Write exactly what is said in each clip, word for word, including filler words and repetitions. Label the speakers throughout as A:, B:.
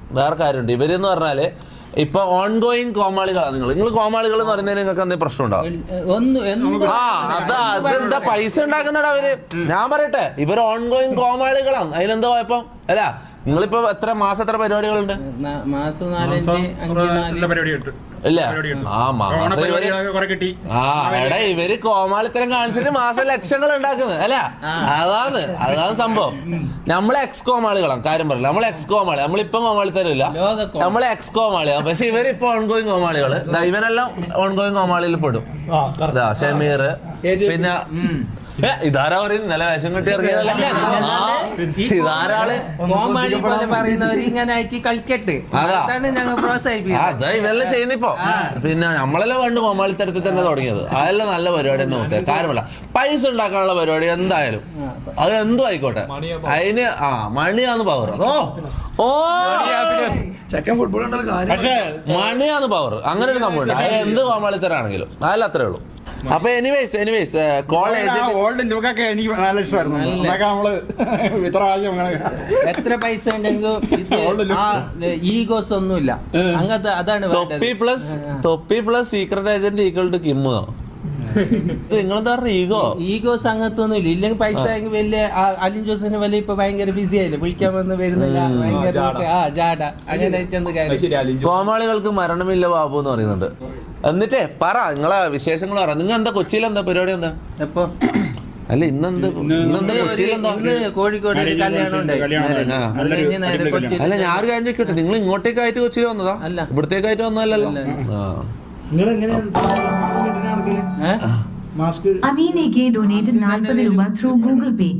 A: വേറെ കാര്യമുണ്ട്. ഇവരെന്ന് പറഞ്ഞാല് ഇപ്പൊ ഓൺ ഗോയിങ് കോമാളികളാണ്. നിങ്ങൾ നിങ്ങൾ കോമാളികൾ എന്ന് പറയുന്നതിന് നിങ്ങൾക്ക് എന്തെങ്കിലും പ്രശ്നം ഉണ്ടാവും? ആ അതാ അതെന്താ പൈസ ഉണ്ടാക്കുന്നടാ അവര്. ഞാൻ പറയട്ടെ, ഇവർ ഓൺ ഗോയിങ് കോമാളികളാണ്. അതിലെന്താ കുഴപ്പം? അല്ല നിങ്ങളിപ്പോ എത്ര മാസം എത്ര പരിപാടികളുണ്ട്? ഇല്ല ആ മാസം ആ എടാ ഇവര് കോമാളിത്തരം കാണിച്ചിട്ട് മാസം ലക്ഷങ്ങൾ ഉണ്ടാക്കുന്നത് അല്ല. അതാണ് അതാണ് സംഭവം. നമ്മളെ എക്സ് കോമാളികളാണ്. കാര്യം പറയില്ല, നമ്മളെ എക്സ് കോമാളി. നമ്മളിപ്പം കോമാളിത്തരം ഇല്ല, നമ്മളെ എക്സ് കോമാളിയാണ്. പക്ഷെ ഇവരിപ്പോ ഓൺഗോയിങ് കോമാളികള്. ഇവനെല്ലാം ഓൺഗോയിങ് കോമാളിയിൽ പെടും. ഷമീർ പിന്നെ ഇതാരാ പറയും നല്ല വേഷം കെട്ടി ഇറങ്ങിയതല്ല. ഇതാരാള് അതാ ഇവരെല്ലാം ചെയ്യുന്നിപ്പോ. പിന്നെ നമ്മളെല്ലാം പണ്ട് കോമാളിത്തരത്തിൽ തന്നെ തുടങ്ങിയത്. അതെല്ലാം നല്ല പരിപാടി തന്നെ നോക്കുക. കാര്യമല്ല, പൈസ ഉണ്ടാക്കാനുള്ള പരിപാടി എന്തായാലും അത് എന്തും ആയിക്കോട്ടെ. അതിന് ആ മണിയാന്ന് പവർ. ഓ ഓ മണിയാന്ന് പവർ. അങ്ങനെ ഒരു സംഭവം ഉണ്ട്. അത് എന്ത് കോമാളിത്തരാണെങ്കിലും അതല്ല അത്രേ ഉള്ളൂ. അപ്പൊ എനിവേസ് എനിവേസ് കോളേജ്
B: ഓൾഡ് ലുക്കൊക്കെ എനിക്ക് നല്ല ഇഷ്ടമായിരുന്നു. നമ്മള് ഇത്ര
C: എത്ര പൈസ ഈഗോസ് ഒന്നുമില്ല അങ്ങനത്തെ. അതാണ്
A: Thoppi plus Thoppi plus secret agent equal to Kimmo. നിങ്ങളെന്താ പറഞ്ഞ ഈഗോ
C: ഈഗോസ് അങ്ങനത്തെ ഒന്നും ഇല്ല. ഇല്ലെങ്കിൽ പൈസ വലിയ അലിൻ ജോസിന് വലിയ ഇപ്പൊ ഭയങ്കര ബിസി ആയില്ലേ, വിളിക്കാൻ വന്ന് വരുന്നില്ല, ഭയങ്കര ആ ജാട അങ്ങനെ.
A: കോമാളികൾക്ക് മരണമില്ല ബാബു എന്ന് പറയുന്നുണ്ട്. എന്നിട്ടേ പറ നിങ്ങളെ വിശേഷങ്ങൾ പറ. നിങ്ങൾ എന്താ കൊച്ചിയിൽ എന്താ പരിപാടി എന്താ?
C: എപ്പോ
A: അല്ല ഇന്നെന്ത് ഇന്നെന്താ കൊച്ചിയിൽ എന്താ?
C: കോഴിക്കോട്
A: അല്ല ഞാനൊരു കാര്യം ചോദിക്കട്ടെ, നിങ്ങൾ ഇങ്ങോട്ടേക്കായിട്ട് കൊച്ചിയിൽ വന്നതാ? ഇവിടത്തേക്കായിട്ട് വന്നതല്ലോ.
D: അമീനേക്ക് ഡൊനേറ്റഡ് നാൽപ്പത് രൂപ ത്രൂ ഗൂഗിൾ പേ.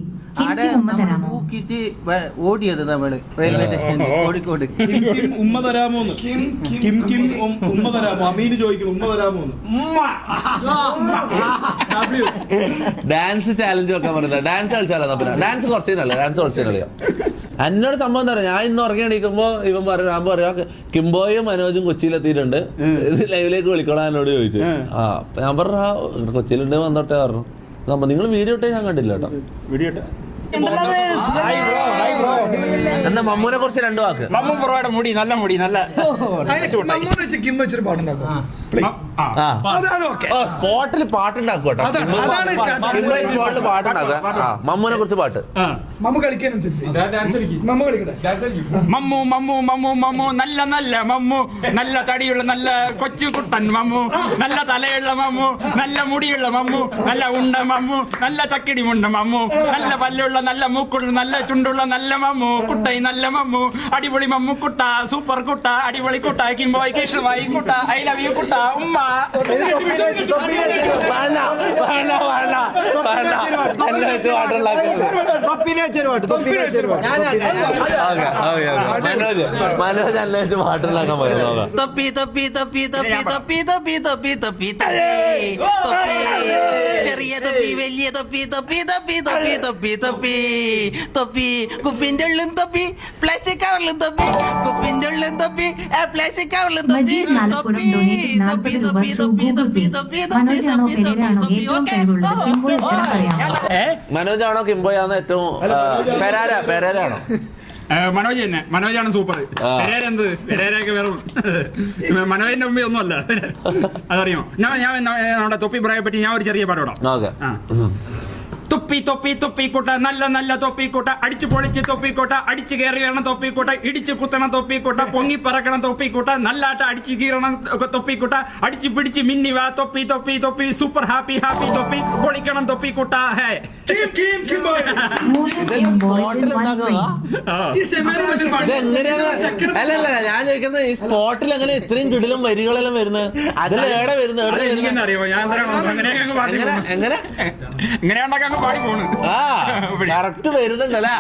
C: ഓടിയത് നമ്മള് റെയിൽവേ സ്റ്റേഷൻ കോഴിക്കോട്.
B: ഉമ്മ തരാമോ കിം കിം ഉമ്മ തരാമോ? അമീന് ചോദിക്കുന്നു ഉമ്മ തരാമോ?
A: ഡാൻസ് ചാലഞ്ച് വെക്കാൻ പറയുന്നത്. ഡാൻസ് കളിച്ചാലോ? പിന്നെ ഡാൻസ് കുറച്ചേനല്ലേ, ഡാൻസ് കുറച്ചേനറിയാം. എന്നോട് സംഭവം എന്താ പറയാ, ഞാൻ ഇന്ന് ഉറങ്ങി എണീക്കുമ്പോ ഇവൻ പറയാം, ഞാൻ പറയാ കിംബോയും മനോജും കൊച്ചിയിലെത്തിയിട്ടുണ്ട്, ഇത് ലൈവിലേക്ക് വിളിക്കോളാം എന്നോട് ചോദിച്ചു. ആ ഞാൻ പറഞ്ഞ കൊച്ചിയിലുണ്ട് വന്നോട്ടെ പറഞ്ഞു. നിങ്ങൾ വീഡിയോ ഇട്ടേ ഞാൻ കണ്ടില്ല കേട്ടോ.
B: വീഡിയോ
A: എന്നാ മമ്മൂനെ കുറിച്ച് രണ്ടു വാക്ക്.
B: മമ്മൂ പുറയുടെ മുടി നല്ല മുടി നല്ല
A: സ്പോട്ടിൽ പാട്ടുണ്ടാക്കും കേട്ടോ. സ്പോട്ടിൽ പാട്ടുണ്ടാക്കുക. മമ്മൂനെ കുറിച്ച് പാട്ട്.
B: മമ്മു മമ്മു മമ്മു മമ്മു നല്ല നല്ല മമ്മു, നല്ല തടിയുള്ള നല്ല കൊച്ചു കുട്ടൻ മമ്മു, നല്ല തലയുള്ള മമ്മു, നല്ല മുടിയുള്ള മമ്മു, നല്ല ഉണ്ട മമ്മു, നല്ല ചക്കിടി മുണ്ട മമ്മു, നല്ല പല്ലുള്ള നല്ല മൂക്കുള്ള നല്ല ചുണ്ടുള്ള നല്ല മമ്മു, കുട്ടായി നല്ല മമ്മു, അടിപൊളി മമ്മു കുട്ട, സൂപ്പർ കുട്ട, അടിപൊളി കുട്ട, കിംബോയ് കേശവായി കുട്ട, ഐ ലവ് യു കുട്ട, ഉമ്മ.
A: മനോജ് അന്വേഷിച്ച് പാട്ടുണ്ടാക്കാൻ പറയുന്നത്.
C: തൊപ്പി തൊപ്പി തൊപ്പി തൊപ്പി തൊപ്പി തൊപ്പി തൊപ്പി തൊപ്പി ചെറിയ തൊപ്പി വലിയ തൊപ്പി തൊപ്പി തൊപ്പി തൊപ്പി തൊപ്പി തൊപ്പി തൊപ്പി കുപ്പിന്റെ ഉള്ളും തൊപ്പി പ്ലാസ്റ്റിക് കവറിലും തൊപ്പി കുപ്പിന്റെ ഉള്ളും തൊപ്പി പ്ലാസ്റ്റിക് കവറിലും തൊപ്പി തൊപ്പി തൊപ്പി തൊപ്പി തൊപ്പി തൊപ്പി തൊപ്പി തൊപ്പി തൊപ്പി തൊപ്പി ഓക്കെ.
A: മനോജാണോ കിംബോയാണോ ഏറ്റവും പെരാര പെരാരാണോ?
B: മനോജ് തന്നെ, മനോജാണ് സൂപ്പർ. പെരേര എന്ത് പെരേരൊക്കെ വെറും മനോജിന്റെ മുമ്പേ ഒന്നുമല്ല. അതറിയോ? ഞാൻ ഞാൻ നമ്മുടെ തൊപ്പി പ്രായെ പറ്റി ഞാൻ ഒരു ചെറിയ പാടോടാം. തൊപ്പി തൊപ്പി തൊപ്പിക്കൂട്ട നല്ല നല്ല തൊപ്പിക്കൂട്ട, അടിച്ചു പൊളിച്ച് തൊപ്പിക്കൂട്ട, അടിച്ചു കയറി വരണം തൊപ്പിക്കൂട്ട, ഇടിച്ചു കുത്തണം തൊപ്പിക്കൂട്ട, പൊങ്ങി പറക്കണം തൊപ്പിക്കൂട്ട, നല്ലാട്ട അടിച്ചു കീറണം തൊപ്പിക്കൂട്ട, അടിച്ചു പിടിച്ച് മിന്നി വാ തൊപ്പി തൊപ്പി തൊപ്പി, സൂപ്പർ ഹാപ്പി ഹാപ്പി തൊപ്പി, പൊളിക്കണം തൊപ്പിക്കൂട്ട. ഹേ
A: അല്ലല്ല ഞാൻ ചോദിക്കുന്നത് ഈ സ്പോട്ടിൽ എങ്ങനെ ഇത്രയും കിടിലും വരികളെല്ലാം വരുന്നത്? അതിൽ എവിടെ വരുന്നത്?
B: എനിക്കെന്നറിയോ ഞാൻ
A: എങ്ങനെ
B: ഇങ്ങനെ ഉണ്ടാക്കാൻ പാടി പോണ്.
A: ആ കറക്റ്റ് വരുന്നുണ്ടല്ലേ.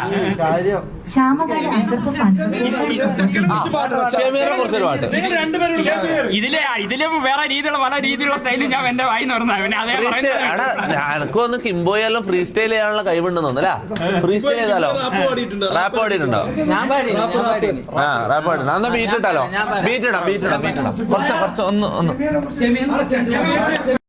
B: ഇതിലെ ഇതിലും വേറെ രീതിയിലുള്ള പല രീതിയിലുള്ള സ്റ്റൈലും ഞാൻ എന്റെ വായി
A: എനക്ക് വന്ന് കിംബോയെല്ലാം ഫ്രീ സ്റ്റൈൽ ചെയ്യാനുള്ള കഴിവുണ്ടെന്ന് തോന്നല്ലേ? ഫ്രീ സ്റ്റൈൽ ചെയ്താലോ? റാപ്പ് പാടിയിട്ടുണ്ടോ? ആ റാപ്പ് പാടി. എന്നാ ബീറ്റ് ഇട്ടാലോ? ബീറ്റ് ഇടാം ബീറ്റ് ഇടാം ബീറ്റ് ഇടാം കുറച്ച് കുറച്ച് ഒന്ന് ഒന്ന്